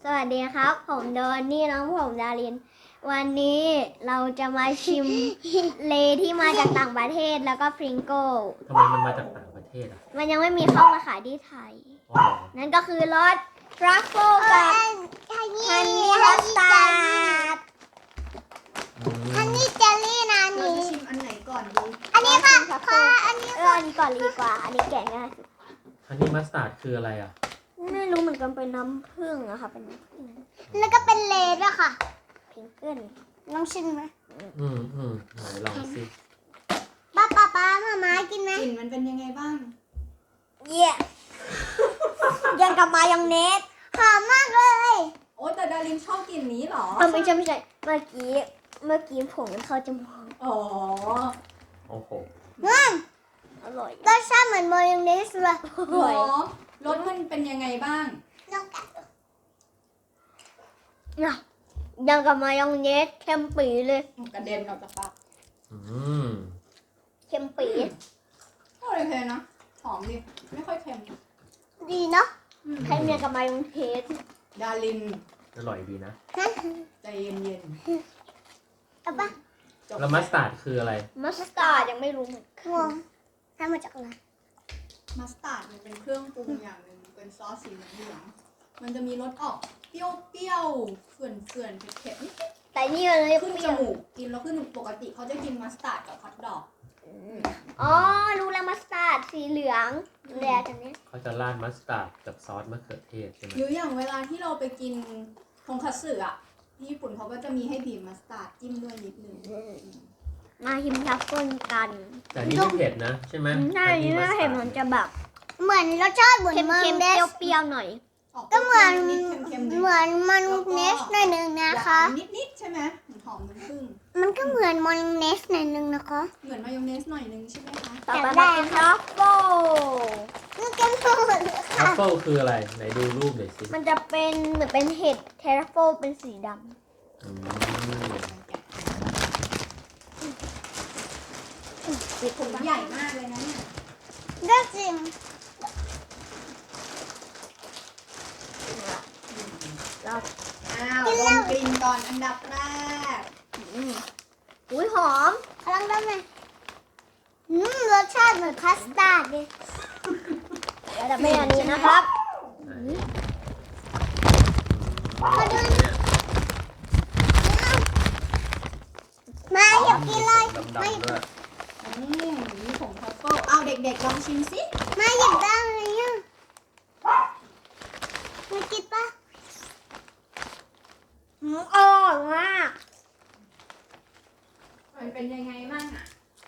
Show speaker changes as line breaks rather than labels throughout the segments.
สวัสดีครับผมโดนนี่น้องผมดารินวันนี้เราจะมาชิม เลที่มาจากต่างประเทศแล้วก็พริงโก้
ทำไมมันมาจากต่างประเทศอ่ะ
มันยังไม่มีเข้ามาขายที่ไทย
อ๋อ
นั่นก็คือรสทรัฟเฟิลกับฮันนี่มัสตาร์ด
ฮันนี่เจลลี่นะ
เรา
นี่
จะชิมอันไหนก่อนดี
อันนี้ค่ะอันนี้
อันนี้ก่อนดีกว่า อันนี้แกะง่ายสุด
ฮันนี่มัสตาร์ดคืออะไรอ่ะ
ไม่รู้เหมือนกันเป็นน้ำผึ้งอะค่ะเป็นน้ำผึ้ง
แล้วก็เป็นเลดด้วยค่ะ
พิงเกิล
ลองชิมไหม
ไหนลองสิ
ป้ามากินไหม
กลิ่นมันเป็นยังไงบ้าง
เยี่ยยังกับมายองเนส
หอมมากเลย
โอ้แต่ดารินชอบกลิ่นนี้เหรอ
ไม่ใช่เมื่อกี้ผมมันเข้าจมูก
อ๋อ
โอ้โห
อร่อย
รสชาติเหมือนมายองเนสเลย
อ
หร
ร่อย
อรสมันเป็นยังไงบ้าง
ลองกัดดู
ยังกับมายองเนสเค็มปีเลย
กระเด็นออกจากปาก
อืม
เค็มปี
ก็โอเคนะ หอมดิ ไม่ค่อยเค็ม
ดีเนาะ
ใครเมียกับมายองเทส
ดาริน
อร่อยดีนะ
ใจเย็น
เอาปะ
ๆจบ
แล้วมัสตาร์ดคืออะไร
มัสตาร์ดยังไม่รู้เหมือนกั
งงทำมาจากอะไร
มัสตาร์ดมันเป็นเครื่องปรุงอย่างหนึ่งเป็นซอสสีเหลืองๆมันจะมีรสออกเปรี้ยวๆเขื่อนๆเผ็ดๆนิด
แต่นี่เลย
ๆขึ้นจมูกกินแล้วขึ้นจมูกปกติเขาจะกินมัสตาร์ดกับฮอทดอก
อ๋อรู้แล้วมัสตาร์ดสีเหลืองแดงอันนี้
เขาจะราดมัสตาร์ดกับซอสมะเขือเทศใช่ไหม
หรืออย่างเวลาที่เราไปกินทงคัตสึอ่ะที่ญี่ปุ่นเขาก็จะมีให้บีบมัสตาร์ดจิ้มด้วยนิดนึง
มาชิมทัฟเฟิลกัน
แต่นี่ไม่เผ็ดนะใช่ไหม
ใช่นี่น่าเห็นมันจะแบบ
เหมือนรสชาติเหมือน
เค็ม
มาย
เค็
อ
ม
งเนส
เปรี้ยวๆหน่อย
ก็เหมือน
นิดๆเค็มๆ
เหมือนมายองเนสหน่อยหนึ่งนะคะ
นิดๆใช่ไหมหอมน้ำผึ้ง
มันก็เหมือนมายองเนสหน่อยหนึ่งนะคะ
เหมือนมายองเนสหน่อยนึงใช่ไหมคะ
ต่อไปมากินทรัฟเฟิล
นี่เก็มหมดเลย
ทัฟ
ค่ะ
เฟิลคืออะไรไหนดูรูปหน่อยสิ
มันจะเป็นเหมือนเป็นเห็ดเทรัฟเฟิลเป็นสีด
อืม
ถุงใหญ่มากเลยนะเนี่ย
ก็จริง
ำเรา
อ้าวดมกลิ่นก่อนอันดับแรก
อุ้ยหอม
พลังได้ไหมรสชาติเหมือนคัสตาร์ดเลย
แล้วจะเป็นอันนี้นะครับ
มาอยากกินเลย
ดำๆด้วย
มีผงทัฟเฟิลเอาเด็กๆลองชิมสิ
มาอยากได้เลยอ่ะมากินปะ
อร่อยมาก
มันเป็นยังไงบ้างอ่ะ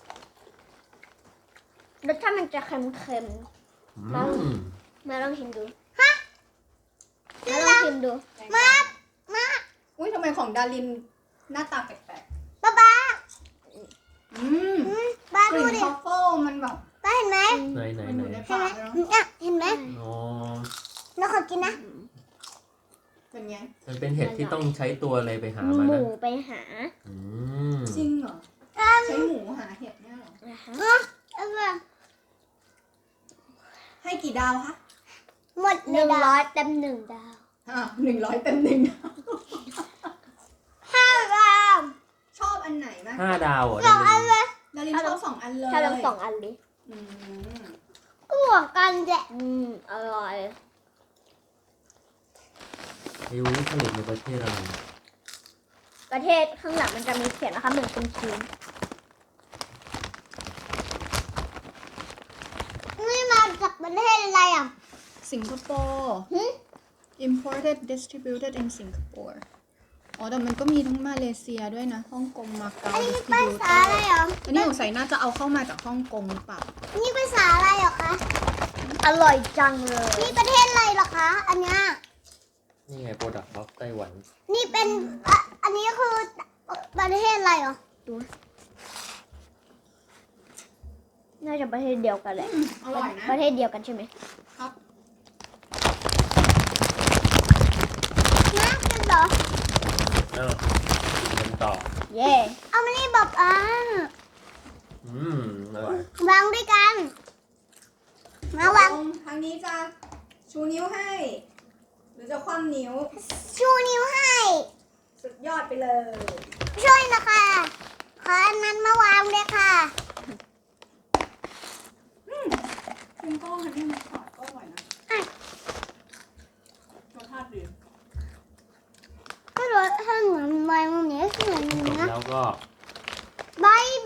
รสชาติมันจะเค็ม
อืม
ๆมาลองชิมดูมาลองชิมดู
มา
อุ้ยทำไมของดารินหน้าตาแปลก
ป้า
ๆอืม
ป้าก ดู
ลิ่น
ดิ
ทัฟเฟิลมันแบบ
ป้าเห็นไหม
ไหน
มันอยู่ใน
เห็น
ปา
ไหม
กเลยเนาะ
อ่ะเห็นไหม
อ๋อ
เราขอกินนะ
เป็นไง
มันเป็นเห็ดที่ต้องใช้ตัวอะไรไปหา
ห
มา
มู
นะ
ไปหา
อืม
จริงเหรอ ใช้หมูหาเห็ดเนี่ยเหรอ
นะคะ
เอาไป
ให้กี่ดาวคะ
หมดเลยดาว
100 เต็ม 1 ดาว
100 เต็ม1
5 ดาว
ชอบอันไหนมาก
5 ดาวเหรอ
สองอันเลย
ดารินชอบ2 อันเลย
ถ้าลอง2 อันดิ
อืม
ก็เหมือนกันแหละ
อร่อย
ไอ้วุ้นผลิตในประเทศอะไร
ประเทศข้างหลังมันจะมีเขียนนะคะเหมือนเป็นชิ้น
นี่มาจากประเทศอะไรอ่ะ
สิงคโปร์ imported distributed in Singapore อ๋อแต่มันก็มีทั้งมาเลเซียด้วยนะฮ่องกงมาเก๊า
อันนี้
distributed
ภาษาอะไรเหรอ
อันนี้สงสัยน่าจะเอาเข้ามาจากฮ่องกงหรือเปล่า
นี่ภาษาอะไรเหรอคะ
อร่อยจังเลย
นี่ประเทศอะไรเหรอคะ อันเนี้ย
นี่ไงโปรดักต์ของไต้หวัน
นี่เป็นอันนี้คือประเทศอะไรเหรอ
น่าจะประเทศเดียวกันแหละ
อร่อยนะ
ประเทศเดียวกันใช่ไหม
ครับ
นะเป็นเหรอ
เอ้ากินกันต่อ
เย่
เอามานี่บอก
อร่อย
วางด้วยกัน มาวาง
ทางนี้จะชูนิ้วให้ หรือรือจะคว่ำนิ้ว
ชูนิ้วให้
สุดยอดไปเลย
ช่วยนะคะขออันนั้นมาวางด้วยค่ะ
คุณก็ฮันนี่มัสตาร์ดก็อร่อยนะรสชาติดี
ก็รสชาติเหมือนใบมันนี้เหมือน
จบ
นะ
แล้วก็
บาย